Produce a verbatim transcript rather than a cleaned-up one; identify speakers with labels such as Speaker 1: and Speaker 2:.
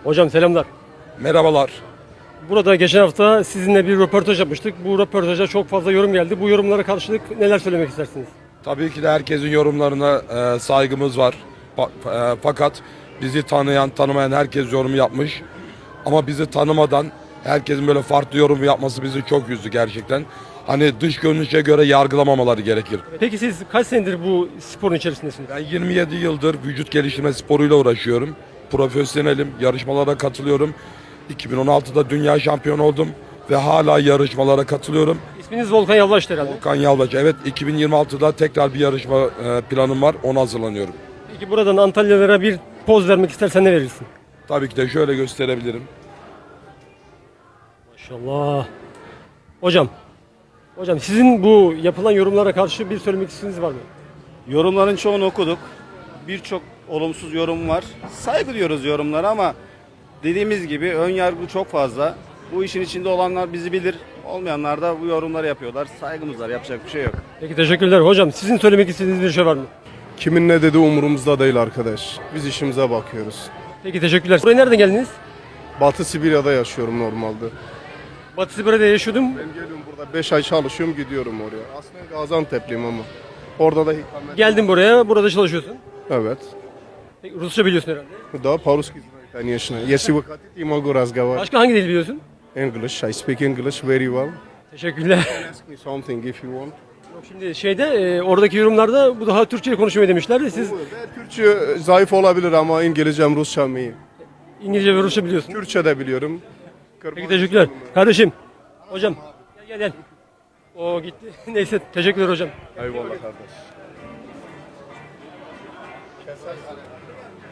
Speaker 1: Hocam selamlar.
Speaker 2: Merhabalar.
Speaker 1: Burada geçen hafta sizinle bir röportaj yapmıştık. Bu röportaja çok fazla yorum geldi. Bu yorumlara karşılık neler söylemek istersiniz?
Speaker 2: Tabii ki de herkesin yorumlarına e, saygımız var. Pa- e, fakat bizi tanıyan, tanımayan herkes yorum yapmış. Ama bizi tanımadan herkesin böyle farklı yorum yapması bizi çok üzdü gerçekten. Hani dış görünüşe göre yargılamamaları gerekir.
Speaker 1: Peki siz kaç senedir bu sporun içerisindesiniz?
Speaker 2: Ben yirmi yedi yıldır vücut geliştirme sporuyla uğraşıyorum. Profesyonelim, yarışmalara katılıyorum. iki bin on altıda dünya şampiyonu oldum ve hala yarışmalara katılıyorum.
Speaker 1: İsminiz Volkan Yalvaç'tı herhalde.
Speaker 2: Volkan Yalvaç. Evet, iki bin yirmi altıda tekrar bir yarışma e, planım var. Ona hazırlanıyorum.
Speaker 1: Peki buradan Antalyalılara bir poz vermek istersen ne verirsin?
Speaker 2: Tabii ki de şöyle gösterebilirim.
Speaker 1: Maşallah. Hocam. Hocam sizin bu yapılan yorumlara karşı bir söylemek istediğiniz var mı?
Speaker 3: Yorumların çoğunu okuduk. Birçok olumsuz yorum var. Saygı duyuyoruz yorumlara ama dediğimiz gibi ön yargı çok fazla. Bu işin içinde olanlar bizi bilir. Olmayanlar da bu yorumları yapıyorlar. Saygımız var. Yapacak bir şey yok.
Speaker 1: Peki teşekkürler. Hocam sizin söylemek istediğiniz bir şey var mı?
Speaker 4: Kimin ne dediği umurumuzda değil arkadaş. Biz işimize bakıyoruz.
Speaker 1: Peki teşekkürler. Buraya nereden geldiniz?
Speaker 4: Batı Sibirya'da yaşıyorum normalde.
Speaker 1: Batı Sibirya'da yaşıyordum.
Speaker 4: Ben geliyorum burada beş ay çalışıyorum gidiyorum oraya. Aslında Gaziantep'liyim ama. Orada da ikamet.
Speaker 1: Geldin buraya. Burada çalışıyorsun.
Speaker 4: Evet.
Speaker 1: Peki, Rusça biliyorsun herhalde.
Speaker 4: Да, по-русски знаю, конечно. Если вы хотите, я могу разговаривать.
Speaker 1: Başka hangi dil biliyorsun?
Speaker 4: English, I speak English very well.
Speaker 1: Teşekkürler.
Speaker 4: Ask me something if you want.
Speaker 1: Yok, şimdi şeyde e, oradaki yorumlarda bu daha Türkçe konuşmayı demişlerdi. Siz
Speaker 4: Ben Türkçe zayıf olabilir ama İngilizcem, Rusçam iyi.
Speaker 1: İngilizce ve Rusça biliyorsun.
Speaker 4: Türkçe de biliyorum.
Speaker 1: Peki teşekkürler. Kardeşim. Hocam. Gel gel gel. O gitti. Neyse teşekkürler hocam.
Speaker 4: Eyvallah kardeş.